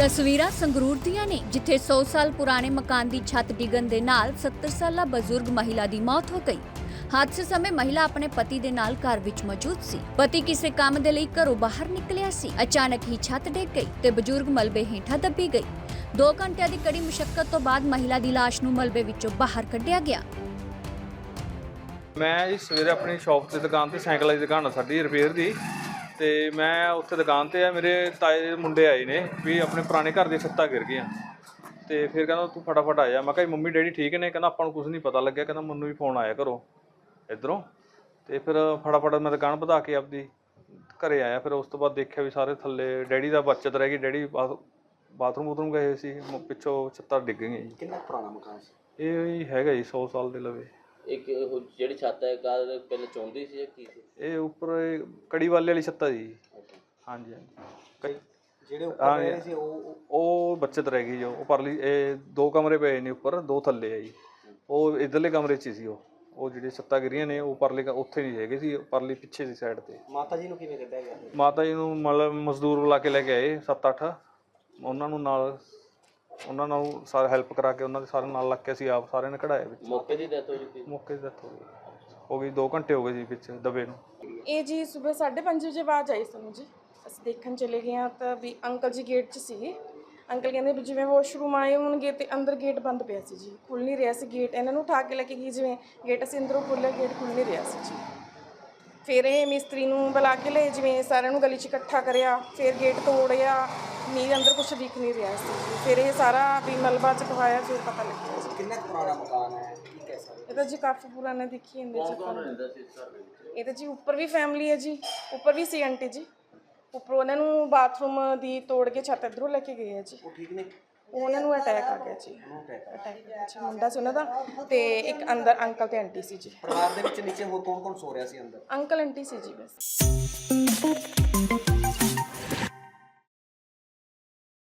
ਤਸਵੀਰਾਂ ਸੰਗਰੂਰ ਦੀਆਂ ਨੇ ਜਿੱਥੇ 100 ਸਾਲ ਪੁਰਾਣੇ ਮਕਾਨ ਦੀ ਛੱਤ ਡਿੱਗਣ ਦੇ ਨਾਲ 70 ਸਾਲਾ ਬਜ਼ੁਰਗ ਮਹਿਲਾ ਦੀ ਮੌਤ ਹੋ ਗਈ। ਹਾਦਸੇ ਸਮੇਂ ਮਹਿਲਾ ਆਪਣੇ ਪਤੀ ਦੇ ਨਾਲ ਘਰ ਵਿੱਚ ਮੌਜੂਦ ਸੀ। ਪਤੀ ਕਿਸੇ ਕੰਮ ਦੇ ਲਈ ਘਰੋਂ ਬਾਹਰ ਨਿਕਲਿਆ ਸੀ। ਅਚਾਨਕ ਹੀ ਛੱਤ ਡਿੱਗ ਗਈ ਤੇ ਬਜ਼ੁਰਗ ਮਲਬੇ ਹੇਠਾਂ ਦੱਬੀ ਗਈ। 2 ਘੰਟਿਆਂ ਦੀ ਕੜੀ ਮੁਸ਼ੱਕਤ ਤੋਂ ਬਾਅਦ ਮਹਿਲਾ ਦੀ ਲਾਸ਼ ਨੂੰ ਮਲਬੇ ਵਿੱਚੋਂ ਬਾਹਰ ਕੱਢਿਆ ਗਿਆ। ਮੈਂ ਜੀ ਸਵੇਰੇ ਆਪਣੀ ਸ਼ਾਪ ਤੇ ਦੁਕਾਨ ਤੇ ਸਾਈਕਲਾਂ ਦੀ ਦੁਕਾਨ ਆ ਸਾਡੀ ਰਿਪੇਅਰ ਦੀ, ਤੇ ਮੈਂ ਉੱਥੇ ਦੁਕਾਨ ਤੇ ਆ। ਮੇਰੇ ਤਾਏ ਦੇ ਮੁੰਡੇ ਆਏ ਨੇ ਵੀ ਆਪਣੇ ਪੁਰਾਣੇ ਘਰ ਦੀਆਂ ਛੱਤਾਂ ਗਿਰ ਗਈਆਂ, ਤੇ ਫਿਰ ਕਹਿੰਦਾ ਤੂੰ ਫਟਾਫਟ ਆ ਜਾ। ਮੈਂ ਕਿਹਾ ਮੰਮੀ ਡੈਡੀ ਠੀਕ ਨੇ? ਕਹਿੰਦਾ ਆਪਾਂ ਨੂੰ ਕੁਝ ਨਹੀਂ ਪਤਾ ਲੱਗਿਆ, ਕਹਿੰਦਾ ਮੈਨੂੰ ਵੀ ਫੋਨ ਆਇਆ ਘਰੋਂ ਇੱਧਰੋਂ। ਤੇ ਫਿਰ ਫਟਾਫਟ ਮੈਂ ਦੁਕਾਨ ਵਧਾ ਕੇ ਆਪਦੀ ਘਰੇ ਆਇਆ। ਫਿਰ ਉਸ ਤੋਂ ਬਾਅਦ ਦੇਖਿਆ ਵੀ ਸਾਰੇ ਥੱਲੇ ਡੈਡੀ ਦਾ ਬਚਤ ਰਹਿ ਗਈ। ਡੈਡੀ ਬਾਥਰੂਮ ਗਏ ਸੀ, ਪਿੱਛੋਂ ਛੱਤਾਂ ਡਿੱਗ ਗਈਆਂ ਜੀ। ਕਿੰਨਾ ਪੁਰਾਣਾ ਮਕਾਨ ਸੀ ਇਹ? ਹੈਗਾ ਜੀ 100 ਸਾਲ ਦੇ ਲਵੇ। ਇੱਕ ਜਿਹੜੀ ਛੱਤ ਹੈ ਕਾਰ ਪਹਿਲਾਂ ਚੌਂਦੀ ਸੀ ਜਾਂ ਕੀ ਸੀ? ਇਹ ਉੱਪਰ ਕੜੀ ਵਾਲੇ ਵਾਲੀ ਛੱਤ ਆ ਜੀ। ਹਾਂਜੀ ਹਾਂਜੀ। ਜਿਹੜੇ ਉੱਪਰ ਰਹੇ ਸੀ ਉਹ ਬੱਚਤ ਰਹਿ ਗਈ ਜੋ। ਉਹ ਪਰਲੀ ਇਹ 2 ਕਮਰੇ ਪਏ ਨੇ ਉੱਪਰ, 2 ਥੱਲੇ ਆ ਜੀ। ਉਹ ਇੱਧਰਲੇ ਕਮਰੇ 'ਚ ਸੀ। ਉਹ ਜਿਹੜੇ ਛੱਤਾਂ ਗਿਰੀਆਂ ਨੇ ਉਹ ਪਰਲੇ ਉੱਥੇ ਨਹੀਂ ਹੈਗੇ ਸੀ, ਪਰਲੀ ਪਿੱਛੇ ਦੀ ਸਾਈਡ ਤੇ। ਮਾਤਾ ਜੀ ਨੂੰ ਕਿਵੇਂ ਕੱਢਿਆ ਗਿਆ? ਮਾਤਾ ਜੀ ਨੂੰ ਮਤਲਬ ਮਜ਼ਦੂਰ ਬੁਲਾ ਕੇ ਲੈ ਕੇ ਆਏ 7-8। ਉਹਨਾਂ ਨਾਲ ਸਾਰਾ ਹੈਲਪ ਕਰਾ ਕੇ ਉਹਨਾਂ ਦੇ ਸਾਰੇ ਨਾਲ ਲੱਗ ਕੇ ਅਸੀਂ ਆਪ ਸਾਰਿਆਂ ਨੇ ਕਢਾਇਆ ਵਿੱਚ। ਮੌਕੇ ਦੀ ਡੈਥ ਹੋ ਗਈ? ਮੌਕੇ ਦੀ ਡੈਥ ਹੋ ਗਈ 2 ਘੰਟੇ ਹੋ ਗਏ ਜੀ ਵਿੱਚ ਦਬੇ ਨੂੰ। ਇਹ ਜੀ ਸਵੇਰ 5:30 ਵਜੇ ਆਵਾਜ਼ ਆਈ ਸਾਨੂੰ ਜੀ। ਅਸੀਂ ਦੇਖਣ ਚਲੇ ਗਏ ਹਾਂ ਤਾਂ ਵੀ ਅੰਕਲ ਜੀ ਗੇਟ 'ਚ ਸੀਗੇ। ਅੰਕਲ ਕਹਿੰਦੇ ਵੀ ਜਿਵੇਂ ਵਾਸ਼ਰੂਮ ਆਏ ਹੋਣਗੇ ਤੇ ਅੰਦਰ ਗੇਟ ਬੰਦ ਪਿਆ ਸੀ ਜੀ, ਖੁੱਲ੍ਹ ਨਹੀਂ ਰਿਹਾ ਸੀ ਗੇਟ। ਇਹਨਾਂ ਨੂੰ ਉਠਾ ਕੇ ਲੈ ਕੇ ਗਈ, ਜਿਵੇਂ ਗੇਟ ਅਸੀਂ ਅੰਦਰੋਂ ਖੋਲ੍ਹਿਆ, ਗੇਟ ਖੁੱਲ੍ਹ ਨਹੀਂ ਰਿਹਾ ਸੀ ਜੀ। ਫਿਰ ਇਹ ਮਿਸਤਰੀ ਨੂੰ ਬੁਲਾ ਕੇ ਲਏ, ਜਿਵੇਂ ਸਾਰਿਆਂ ਨੂੰ ਗਲੀ 'ਚ ਇਕੱਠਾ ਕਰਿਆ। ਫਿਰ ਗੇਟ ਤੋੜਿਆ, ਨਹੀਂ ਅੰਦਰ ਕੁਛ ਦਿਖ ਨਹੀਂ ਰਿਹਾ ਸੀ ਜੀ। ਫਿਰ ਇਹ ਸਾਰਾ ਵੀ ਮਲਬਾ ਚਕਵਾਇਆ, ਫਿਰ ਪਤਾ ਲੱਗਿਆ ਜੀ। ਕਿੰਨਾ ਪੁਰਾਣਾ ਮਕਾਨ ਹੈ? ਕੀ ਕਹਿ ਸਕਦੇ? ਇਹ ਤਾਂ ਜੀ ਕਾਫੀ ਪੁਰਾਣਾ ਦੇਖੀ ਜਾਂਦੇ ਜੀ। ਕੌਣ ਰਹਿੰਦਾ ਸੀ ਇਸ ਘਰ ਦੇ ਵਿੱਚ? ਇਹ ਤਾਂ ਜੀ ਉੱਪਰ ਵੀ ਫੈਮਿਲੀ ਹੈ ਜੀ, ਉੱਪਰ ਵੀ ਸੀ ਆਂਟੀ ਜੀ। ਉੱਪਰੋਂ ਉਹਨਾਂ ਨੂੰ ਬਾਥਰੂਮ ਦੀ ਤੋੜ ਕੇ ਛੱਤ ਇੱਧਰੋਂ ਲੈ ਕੇ ਗਏ ਆ ਜੀ। ਉਹ ਠੀਕ ਨੇ? ਉਹਨਾਂ ਨੂੰ ਅਟੈਕ ਆ ਗਿਆ ਜੀ। ਅਟੈਕ ਮੁੰਡਾ ਸੀ ਉਹਨਾਂ ਦਾ, ਤੇ ਇੱਕ ਅੰਦਰ ਅੰਕਲ ਤੇ ਆਂਟੀ ਸੀ ਜੀ। ਪਰਿਵਾਰ ਦੇ ਵਿੱਚ ਨੀਚੇ ਹੋਰ ਕੌਣ ਕੌਣ ਸੋ ਰਿਹਾ ਸੀ ਅੰਦਰ? ਅੰਕਲ ਆਂਟੀ ਸੀ ਜੀ ਬਸ।